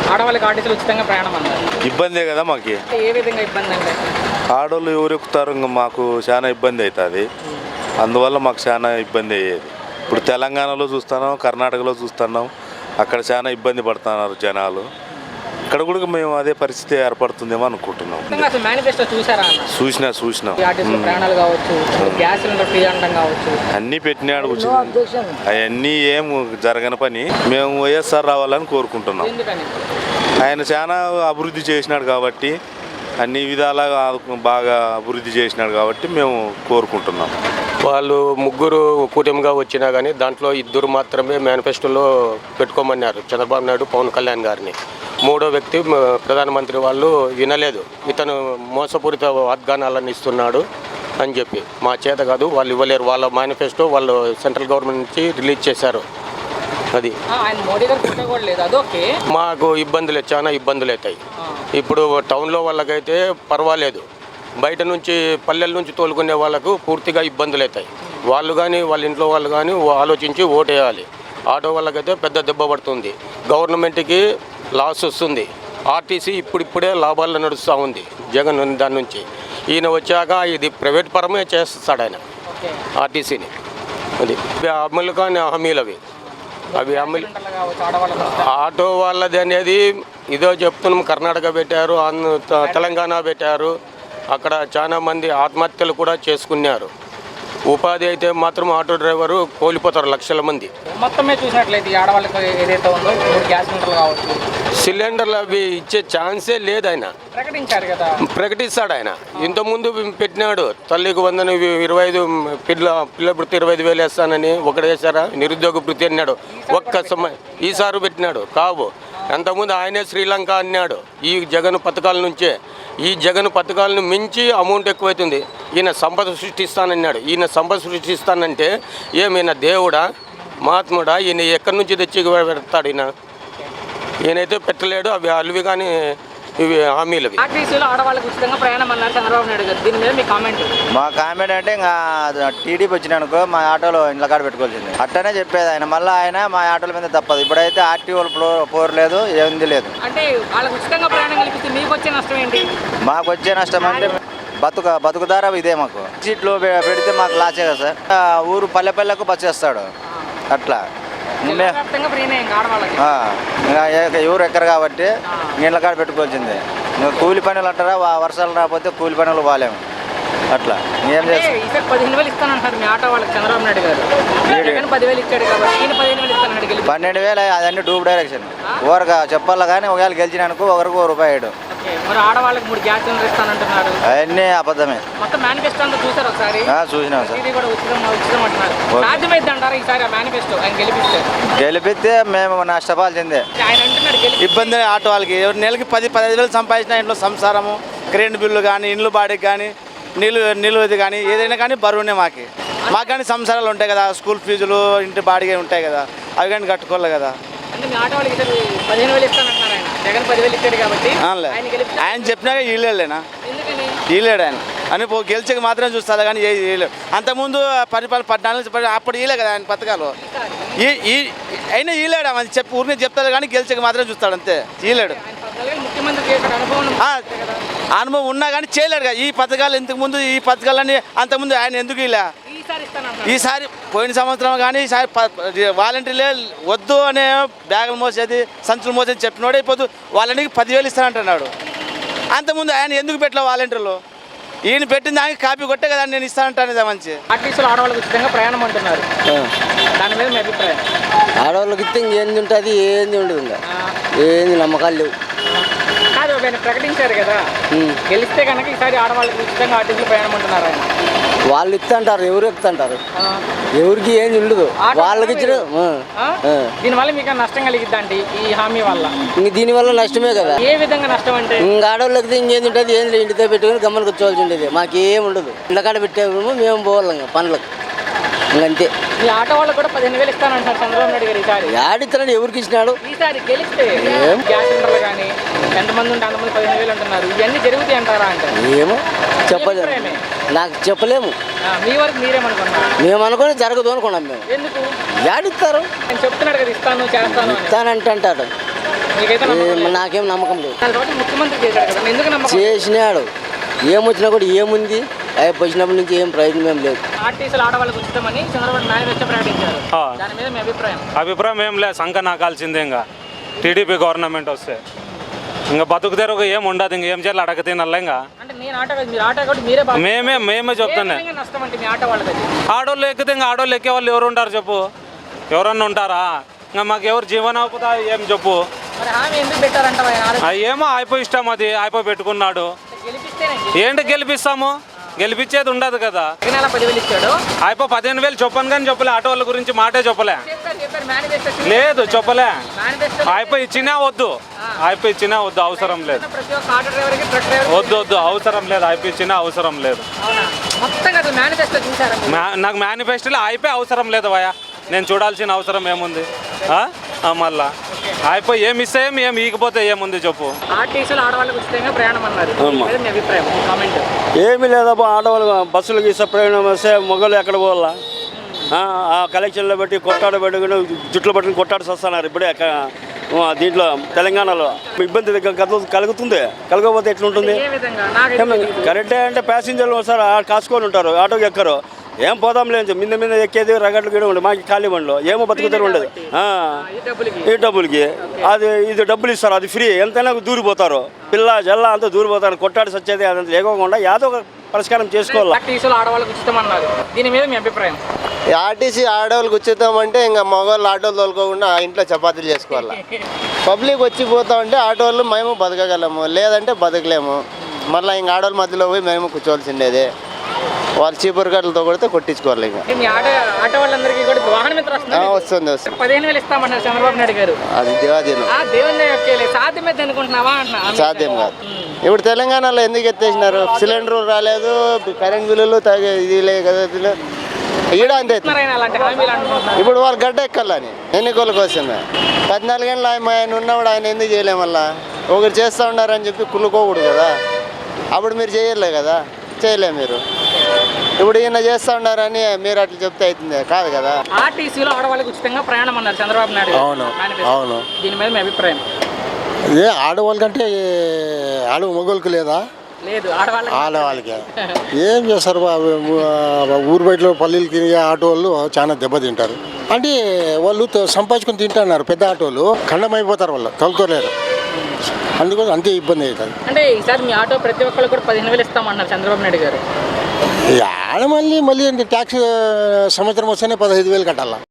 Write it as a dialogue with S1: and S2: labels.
S1: ఆడవాళ్ళకి ఆర్టీసీలు ఉచితంగా ప్రయాణం అన్నారు.
S2: ఇబ్బందే కదా మాకు.
S1: ఏ విధంగా ఇబ్బంది అంటే
S2: ఆడవాళ్ళు ఎవరు ఎక్కుతారు, ఇంకా మాకు చాలా ఇబ్బంది అవుతుంది. అందువల్ల మాకు చాలా ఇబ్బంది అయ్యేది. ఇప్పుడు తెలంగాణలో చూస్తున్నాం, కర్ణాటకలో చూస్తున్నాం, అక్కడ చాలా ఇబ్బంది పడుతున్నారు జనాలు. ఇక్కడ కూడా మేము అదే పరిస్థితి ఏర్పడుతుందేమో అనుకుంటున్నాం. చూసినాం అన్నీ పెట్టినాడు. అవన్నీ ఏం జరగని పని. మేము వైఎస్ఆర్ రావాలని కోరుకుంటున్నాం. ఆయన చాలా అభివృద్ధి చేసినాడు కాబట్టి, అన్ని విధాలుగా బాగా అభివృద్ధి చేసినాడు కాబట్టి మేము కోరుకుంటున్నాం.
S3: వాళ్ళు ముగ్గురు కూటమిగా వచ్చినా కానీ దాంట్లో ఇద్దరు మాత్రమే మేనిఫెస్టోలో పెట్టుకోమన్నారు, చంద్రబాబు నాయుడు, పవన్ కళ్యాణ్ గారిని. మూడో వ్యక్తి ప్రధానమంత్రి వాళ్ళు వినలేదు, ఇతను మోసపూరిత వాగ్దానాలను ఇస్తున్నాడు అని చెప్పి. మా చేత కాదు, వాళ్ళు ఇవ్వలేరు. వాళ్ళ మేనిఫెస్టో వాళ్ళు సెంట్రల్ గవర్నమెంట్ నుంచి రిలీజ్ చేశారు. అది మాకు ఇబ్బందులు, చాలా ఇబ్బందులు అవుతాయి. ఇప్పుడు టౌన్లో వాళ్ళకైతే పర్వాలేదు, బయట నుంచి పల్లెల నుంచి తోలుకునే వాళ్ళకు పూర్తిగా ఇబ్బందులు అవుతాయి. వాళ్ళు కానీ వాళ్ళ ఇంట్లో వాళ్ళు కానీ ఆలోచించి ఓటేయాలి. ఆటో వాళ్ళకైతే పెద్ద దెబ్బ పడుతుంది, గవర్నమెంట్కి లాస్ వస్తుంది. ఆర్టీసీ ఇప్పుడిప్పుడే లాభాల్లో నడుస్తూ ఉంది జగన్ దాని నుంచి. ఈయన వచ్చాక ఇది ప్రైవేట్ పరమే చేస్తాడు ఆయన ఆర్టీసీని. అది అమలు కానీ హామీలు అవి అమలు. ఆటో వాళ్ళది అనేది ఇదో చెప్తున్నాం, కర్ణాటక పెట్టారు, తెలంగాణ పెట్టారు. అక్కడ చాలా మంది ఆత్మహత్యలు కూడా చేసుకున్నారు. ఉపాధి అయితే మాత్రం ఆటో డ్రైవరు కోల్పోతారు లక్షల మంది.
S1: మొత్తమే చూసినట్లయితే ఆడవాళ్ళకి ఏదైతే ఉందో గ్యాస్ సిలిండర్లు కావచ్చు,
S3: సిలిండర్లు అవి ఇచ్చే ఛాన్సే లేదు. ఆయన
S1: ప్రకటించారు కదా,
S3: ప్రకటిస్తాడు ఆయన. ఇంతకుముందు పెట్టినాడు, తల్లికి 25 పిల్ల వృత్తి 25,000 వేస్తానని ఒకటి వేశారా, నిరుద్యోగ వృత్తి అన్నాడు ఒక్క సమయం. ఈసారి పెట్టినాడు కావు. అంతకుముందు ఆయనే శ్రీలంక అన్నాడు. ఈ జగన్ పథకాల నుంచే, ఈ జగన్ పథకాలను మించి అమౌంట్ ఎక్కువైతుంది. ఈయన సంపద సృష్టిస్తానన్నాడు. ఈయన సంపద సృష్టిస్తానంటే ఏమైనా దేవుడా, మహాత్ముడా? ఈయన ఎక్కడి నుంచి తెచ్చి పెడతాడు? ఈయనైతే పెట్టలేడు. అవి అల్వి కానీ ఇవి హామీలు.
S1: ఆడవాళ్ళకి ఉచితంగా ప్రయాణం అన్నారు చంద్రబాబు నాయుడు గారు, దీని మీద మీ కామెంట్?
S4: మా కామెంట్ అంటే ఇంకా టీడీపీ వచ్చినానుకో మా ఆటోలో ఇండ్ల కాడ పెట్టుకోవాల్సింది అట్టనే చెప్పేది ఆయన. మళ్ళీ ఆయన మా ఆటోల మీద తప్పదు. ఇప్పుడైతే ఆర్టీఓలు పోరలేదు, ఏంది లేదు.
S1: అంటే వాళ్ళకి ఉచితంగా ప్రయాణం కల్పిస్తే మీకు వచ్చే నష్టం ఏంటి?
S4: మాకు వచ్చే నష్టం అంటే బతుకుదారా ఇదే. మాకు సీట్లు పెడితే మాకు లాసే కదా సార్. ఊరు పల్లెకు బస్ చేస్తాడు అట్లా. ఎవరు ఎక్కరు కాబట్టి నీళ్ళ కాడ పెట్టుకోవాల్సిందే. కూలి పనులు అంటారా, వర్షాలు రాకపోతే కూలి పనులు బాగాలేము అట్లా. ఏం చేస్తాం?
S1: 15,000 ఇస్తానంటారు మీ ఆటో వాళ్ళకి చంద్రబాబు నాయుడు గారు. 10,000 ఇచ్చాడు కాబట్టి
S4: 12,000 అదన్నీ డూబ్ డైరెక్షన్. ఊరగా చెప్పాలా కానీ ఒకవేళ గెలిచినానుకో ఒకరికి ₹1.
S1: మరి ఆడవాళ్ళకి 3 గ్యాస్ సిలిండర్ ఇస్తానంటున్నారు,
S4: అవన్నీ అబద్ధమే.
S1: మొత్తం మేనిఫెస్టో అంతా చూసారు ఒకసారి?
S4: చూసినాం సార్.
S1: ఇది కూడా ఉచితం అంటున్నారు. సాధ్యమైంది అంటారా ఈసారి ఆ మేనిఫెస్టో ఆయన
S4: గెలిపిస్తే మేము నష్టపోవాల్సిందే.
S1: ఆయన అంటున్నాడు
S5: ఇబ్బంది ఆటో వాళ్ళకి. నెలకి 10-15,000 సంపాదించిన ఇంట్లో సంసారము, కరెంట్ బిల్లు కానీ, ఇండ్లు బాడీకి కానీ, నీళ్ళు ఇది కానీ ఏదైనా కానీ బరువునే మాకు కానీ సంసారాలు ఉంటాయి కదా, స్కూల్ ఫీజులు, ఇంటి బాడీగా ఉంటాయి కదా, అవి కానీ కట్టుకోవాలి కదా. ఆయన చెప్పినాక వీళ్ళేనా వీలేడు ఆయన అని గెలిచక మాత్రం చూస్తారు కానీ వీలేడు. అంతకుముందు 14 అప్పుడు వీలే కదా ఆయన పథకాలు. అయినా వీలేడు అని చెప్పి ఊరిని చెప్తారు కానీ గెలిచక మాత్రం చూస్తాడు అంతే. వీలేడు అనుభవం ఉన్నా కానీ చేయలేడు కదా. ఈ పథకాలు ఇంతకుముందు ఈ పథకాలన్నీ అంతకుముందు ఆయన ఎందుకు ఇలా ఈసారి పోయిన సంవత్సరం కానీ ఈసారి వాలంటీర్లే వద్దు అనే బ్యాగులు మోసేది, సంచులు మోసేది చెప్పినోడే ఇప్పుడు వాళ్ళకి 10,000 ఇస్తానంటున్నాడు. అంతకుముందు ఆయన ఎందుకు పెట్టలే వాలంటీర్లు? ఈయన పెట్టిన దానికి కాపీ కొట్టే కదా నేను ఇస్తానంటాను. మంచి
S1: ఆర్టీసీలో ఆడవాళ్ళకి ఉచితంగా ప్రయాణం అంటున్నారు, దాని మీద మీ అభిప్రాయం?
S6: ఆడవాళ్ళకి ఇస్తే ఏంది ఉంటుంది, ఏంది ఉండదు, ఇంకా ఏంది నమ్మకాలు లేవు.
S1: కాదు, ఆయన ప్రకటించారు కదా, గెలిస్తే కనుక ఈసారి ఆడవాళ్ళకి ఉచితంగా ఆర్టీసీలో ప్రయాణం అంటున్నారు ఆయన.
S6: వాళ్ళు ఇస్తుంటారు, ఎవరు ఎక్కుతుంటారు, ఎవరికి ఏం ఉండదు వాళ్ళకి ఇచ్చిన.
S1: దీనివల్ల మీకు నష్టం కలిగిద్దండి ఈ హామీ వల్ల?
S6: ఇంక దీనివల్ల నష్టమే కదా.
S1: ఏ విధంగా నష్టం అంటే?
S6: ఇంక ఆడవాళ్ళకి ఇంకేంది ఉంటుంది, ఏంది ఇంటితో పెట్టుకుని గమ్మని కూర్చోవాల్సి ఉండేది. మాకేం ఉండదు, ఇంట్లో కాడ పెట్టేమో మేము పోవాలి ఇంకా పనులకు, ఇంకంతే.
S1: మీ ఆటో వాళ్ళు కూడా 15,000 ఇస్తానంటారు చంద్రబాబు నాయుడు గారు ఈసారి.
S6: ఆడిస్తున్నాడు, ఎవరికి ఇచ్చినాడు?
S1: ఈసారి గెలిస్తే గ్యాస్ సిలిండర్లు కానీ ఎంతమంది ఉంటే అంతమంది 15,000 అంటున్నారు. ఇవన్నీ జరుగుతాయి అంటారా అంటే?
S6: ఏమో చెప్పలేము, నాకు చెప్పలేము.
S1: మీ వరకు మీరేమనుకున్నారు?
S6: మేము అనుకుని జరగదు అనుకున్నాం మేము.
S1: ఎందుకు?
S6: ఆడిస్తారు,
S1: నేను చెప్తున్నాడు కదా ఇస్తాను చేస్తాను
S6: ఇస్తానంటే అంటాడు.
S1: మీకైతే నమ్మకం లేదు.
S6: నాకేం నమ్మకం లేదు.
S1: దాని తర్వాత ముఖ్యమంత్రి చేశాడు కదా, ఎందుకు నమ్మకం?
S6: చేసినాడు, ఏమొచ్చినా కూడా ఏముంది, అవి వచ్చినప్పటి నుంచి ఏం ప్రయోజనం ఏం లేదు.
S1: ఆర్టీసీలు ఆడవాళ్ళకి ఉచితమని చంద్రబాబు మేనిఫెస్టో ప్రకటించారు. దాని మీద మీ అభిప్రాయం?
S7: అభిప్రాయం ఏం లేదు, సంఖ నాకాల్సిందే. ఇంకా టీడీపీ గవర్నమెంట్ వస్తే ఇంకా బతుకు తెరుగు ఏం ఉండదు. ఇంక ఏం చేయాలి అడగ తినాలి. ఇంకా
S1: అంటే నేను ఆటో కాదు, మీరు ఆటో కాబట్టి మీరే బాగా
S7: మేమే చెప్తానే.
S1: నష్టం అంటే మీ ఆటో వాళ్ళకి
S7: ఆడోళ్ళు ఎక్కితే ఇంకా ఆడోళ్ళు ఎక్కే వాళ్ళు ఎవరు ఉంటారు చెప్పు? ఎవరన్నా ఉంటారా? ఇంకా మాకు ఎవరు జీవనోపాధి ఏం చెప్పు?
S1: మరి హామీ ఎందుకు పెట్టారంట?
S7: ఏమో అయిపోయి ఇష్టం, అది అయిపోయి పెట్టుకున్నాడు.
S1: గెలిపిస్తేనే
S7: ఏంటి గెలిపిస్తాము? గెలిపించేది ఉండదు కదా.
S1: నెల 10,000 ఇచ్చాడు.
S7: అయిపో 15,000 చెప్పను కానీ చెప్పలే. ఆటో వాళ్ళ గురించి మాటే చెప్పలే.
S1: చెప్పారు మేనిఫెస్టో
S7: లేదు చెప్పలే.
S1: మేనిఫెస్టో
S7: అయిపోయి ఇచ్చినా వద్దు, అయిపోయి ఇచ్చినా వద్దు, అవసరం లేదు.
S1: ప్రతి ఒక్క ఆటో డ్రైవర్కి ట్రక్ డ్రైవర్
S7: వద్దు అవసరం లేదు. అయిపోయి ఇచ్చినా అవసరం లేదు.
S1: అవునా? మొత్తంగా అసలు మేనిఫెస్టో చూసారా మీరు?
S7: నాకు మేనిఫెస్టోలో అయిపోయి అవసరం లేదు భయ. నేను చూడాల్సిన అవసరం ఏముంది? మళ్ళా అయిపోయి ఏమి ఇస్తే ఏమి ఈకపోతే ఏముంది చెప్పు?
S1: ఆర్టీసీలు ఆడవాళ్ళకి ఉచితంగా ప్రయాణం అన్నారు. ఇది మీ అభిప్రాయం, కామెంట్.
S8: ఏమీ లేదబ్బా, ఆడవాళ్ళు బస్సులకు ఇస్తే ప్రయాణం వస్తే మొగలు ఎక్కడ పోవాలా? ఆ కలెక్షన్లో పెట్టి కొట్టాడ పెట్టుకుని జుట్లు పట్టుకుని కొట్టాడు వస్తున్నారు ఇప్పుడే దీంట్లో తెలంగాణలో. ఇబ్బంది కలుగుతుంది. కలగకపోతే ఎట్లుంటుంది?
S1: ఏ విధంగా? నాకు
S8: కరెక్టే అంటే ప్యాసింజర్లు వస్తారు, కాసుకొని ఉంటారు, ఆటోకి ఎక్కరు. ఏం పోదాం లేదు, మీద ఎక్కేది రగట్లు గీడ ఉండదు. మాకు ఖాళీ బండ్లో ఏమో బతుకుతారు ఉండదు. ఈ డబ్బులకి ఇది డబ్బులు ఇస్తారు, అది ఫ్రీ. ఎంతైనా దూరిపోతారు, పిల్ల జల్ల అంతా దూరిపోతారు. కొట్టాడు సచ్చేది అదంతా లేకోకుండా ఏదో ఒక పరిష్కారం చేసుకోవాలి.
S1: ఆర్టీసీలు ఆడవాళ్ళకి ఉచితం అన్నారు, దీని మీద మీ అభిప్రాయం?
S9: ఆర్టీసీ ఆడవాళ్ళకి ఉచితం అంటే ఇంకా మగవాళ్ళు ఆటోలు తోలుకోకుండా ఇంట్లో చపాతీలు చేసుకోవాలి. పబ్లిక్ వచ్చి పోతా ఉంటే ఆటోళ్ళు మేము బతకగలము, లేదంటే బతకలేము. మళ్ళీ ఇంక ఆడవాళ్ళ మధ్యలో పోయి మేము కూర్చోవలసిండేది. వాళ్ళు చీపురు కట్టలతో కొడితే కొట్టించుకోవాలి. ఇంకా
S1: మీ ఆటో వాళ్ళందరికీ కూడా వాహన మిత్ర
S9: వస్తుంది
S1: 15,000 ఇస్తామన్నారు చంద్రబాబు నాయుడు గారు.
S9: అది దేవాదీనం,
S1: దేవుని సాధ్యమైతే అనుకుంటున్నావా అంటున్నా?
S9: సాధ్యం కాదు. ఇప్పుడు తెలంగాణలో ఎందుకు ఎత్తేసినారు? సిలిండర్ రాలేదు, కరెంట్ బిల్లులు ఇది లేదు కదా. ఈడ అంతే.
S1: అలాంటి హామీలు అంటున్నారు.
S9: ఇప్పుడు వాళ్ళు గడ్డ ఎక్కాలని ఎన్నికల కోసమే. 14 ఏళ్ళు ఆయన ఉన్నప్పుడు ఆయన ఎందుకు చేయలేము? మళ్ళా ఒకరు చేస్తూ ఉన్నారని చెప్పి కుళ్ళుకోకూడదు కదా. అప్పుడు మీరు చేయలే కదా, చేయలే మీరు. ఇప్పుడు ఈయన చేస్తూ ఉన్నారని మీరు అట్లా చెప్తే అవుతుంది కాదు కదా.
S1: ఆర్టీసీలో ఆడవాళ్ళకి ఉచితంగా ప్రయాణం అన్నారు చంద్రబాబు నాయుడు గారు.
S10: అవును,
S1: మేనిఫెస్టో.
S10: అవును.
S1: దీని మీద మీ అభిప్రాయం?
S10: ఇదే ఆడవాళ్ళకంటే మగవాళ్ళకి లేదా?
S1: లేదు, ఆడవాళ్ళకి.
S10: ఆడవాళ్ళకి ఏం చేస్తారు? ఊరు బయటలో పల్లెలకి ఆటో వాళ్ళు చాలా దెబ్బతింటారు. అంటే వాళ్ళు సంపాదించుకొని తింటున్నారు. పెద్ద ఆటోలు ఖండమైపోతారు, వాళ్ళు తొలుకోలేరు. అందుకోసం అంతే ఇబ్బంది అవుతుంది.
S1: అంటే ఈసారి మీ ఆటో ప్రతి ఒక్కరు కూడా 15,000 ఇస్తామన్నారు చంద్రబాబు నాయుడు గారు.
S10: ఆడ మళ్ళీ ట్యాక్స్ సంవత్సరం వస్తేనే 15,000 కట్టాలా.